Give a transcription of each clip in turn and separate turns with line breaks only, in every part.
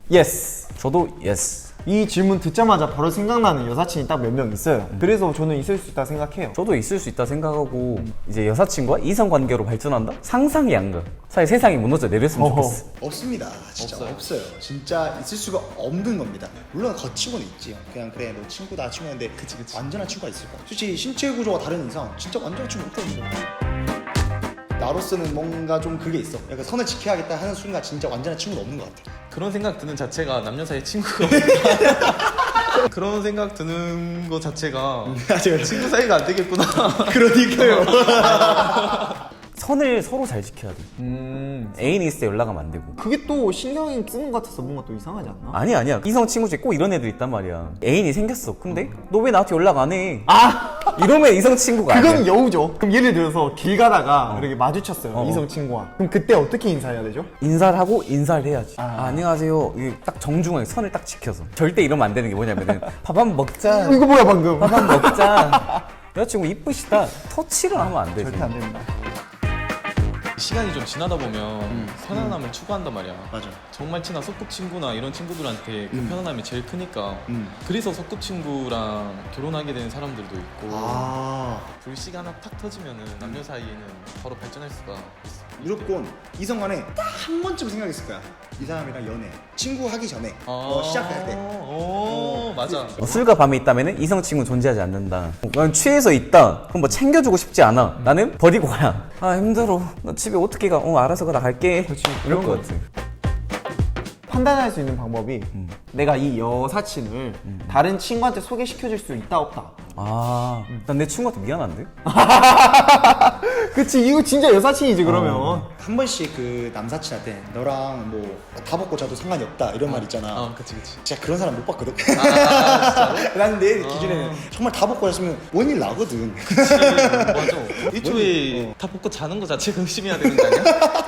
예스.
저도 예스.
이 질문 듣자마자 바로 생각나는 여사친이 딱 몇 명 있어요. 그래서 저는 있을 수 있다 생각해요.
저도 있을 수 있다 생각하고 이제 여사친과 이성관계로 발전한다? 상상이 안 가. 사실 세상이 무너져 내렸으면
어허.
좋겠어.
없습니다. 진짜 없어요. 진짜 있을 수가 없는 겁니다. 물론 거치고는 있지요. 그냥 그래 너 친구다 친구인데 완전한 친구가 있을까? 솔직히 신체 구조가 다른 이상 진짜 완전한 친구 없거든요. 나로서는 뭔가 좀 그게 있어. 약간 선을 지켜야겠다 하는 순간 진짜 완전한 친구는 없는 것 같아.
그런 생각 드는 자체가 남녀 사이 친구가 없다. 그런 생각 드는 거 자체가 친구 사이가 안 되겠구나.
그러니까요.
선을 서로 잘 지켜야 돼. 애인이 있을 때 연락하면 안 되고.
그게 또 신경이 쓰는 것 같아서 뭔가 또 이상하지 않나?
아니야. 이성 친구 중에 꼭 이런 애들 있단 말이야. 애인이 생겼어. 근데 너 왜 나한테 연락 안 해? 이러면 이성 친구가 아니야.
그건 여우죠. 그럼 예를 들어서 길 가다가 이렇게 마주쳤어요. 이성 친구와. 그럼 그때 어떻게 인사해야 되죠?
인사를 하고 인사를 해야지. 안녕하세요. 이게 딱 정중하게 선을 딱 지켜서. 절대 이러면 안 되는 게 뭐냐면은 밥 한번 먹자.
이거 뭐야 방금?
밥 한번 먹자. 여자친구 이쁘시다. 터치를 하면 안 되지.
절대 안 된다.
시간이 좀 지나다 보면 편안함을 추구한단 말이야.
맞아.
정말 친한 소꿉친구나 이런 친구들한테 그 편안함이 제일 크니까 그래서 소꿉친구랑 결혼하게 되는 사람들도 있고
아
불씨가 하나 탁 터지면은 남녀 사이에는 바로 발전할 수가 있어.
무조건 이성 간에 딱 한 번쯤 생각했을 거야. 이 사람이랑 연애, 친구 하기 전에 시작할 때.
맞아.
술과 밤이 있다면 이성 친구는 존재하지 않는다. 난 취해서 있다. 그럼 뭐 챙겨주고 싶지 않아. 나는 버리고 가야. 힘들어. 나 집에 어떻게 가? 알아서 가. 나 갈게. 이럴 것 같아.
판단할 수 있는 방법이 내가 이 여사친을 다른 친구한테 소개시켜줄 수 있다 없다.
난 내 친구한테 미안한데?
그치, 이거 진짜 여사친이지 그러면.
한 번씩 그 남사친한테 너랑 뭐 다 벗고 자도 상관이 없다 이런 말 있잖아.
그치.
진짜 그런 사람 못 봤거든. 난 내 기준에는 정말 다 벗고 잤으면 원일 나거든.
맞아. 애초에 다 벗고 자는 거 자체가 의심해야 되는 거 아니야?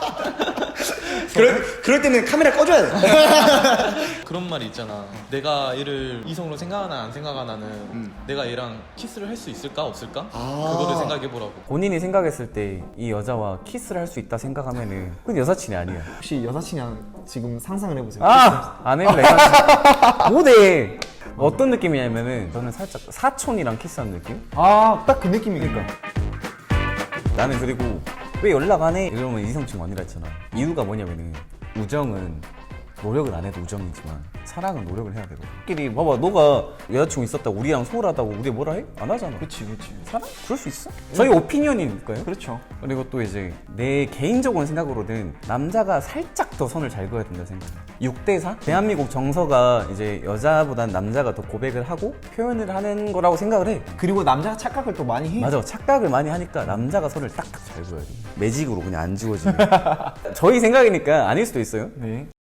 그럴 때는 카메라 꺼줘야 돼.
그런 말이 있잖아. 내가 얘를 이성으로 생각하나 안 생각하나는 내가 얘랑 키스를 할 수 있을까 없을까? 그거를 생각해보라고.
본인이 생각했을 때 이 여자와 키스를 할 수 있다 생각하면은 그건 여사친이 아니야.
혹시 여사친이랑 지금 상상을 해보세요.
안 해볼래. 못해. 어떤 느낌이냐면은 저는 살짝 사촌이랑 키스하는 느낌?
딱 그 느낌이니까.
나는 그리고 왜 연락 안 해? 이러면 이성 친구 아니라 했잖아. 이유가 뭐냐면은 우정은 노력을 안 해도 우정이지만 사랑은 노력을 해야 되고. 끼리 봐봐, 너가 여자친구 있었다고 우리랑 소홀하다고 우리 뭐라 해? 안 하잖아.
그치.
사랑? 그럴 수 있어? 저희 오피니언이니까요.
그렇죠.
그리고 또 이제 내 개인적인 생각으로는 남자가 살짝 더 선을 잘 그어야 된다 생각해. 6대4? 대한민국 정서가 이제 여자보단 남자가 더 고백을 하고 표현을 하는 거라고 생각을 해.
그리고 남자가 착각을 또 많이 해.
맞아, 착각을 많이 하니까 남자가 선을 딱딱 잘 그어야 돼. 매직으로 그냥 안 지워지는. 저희 생각이니까 아닐 수도 있어요.
네.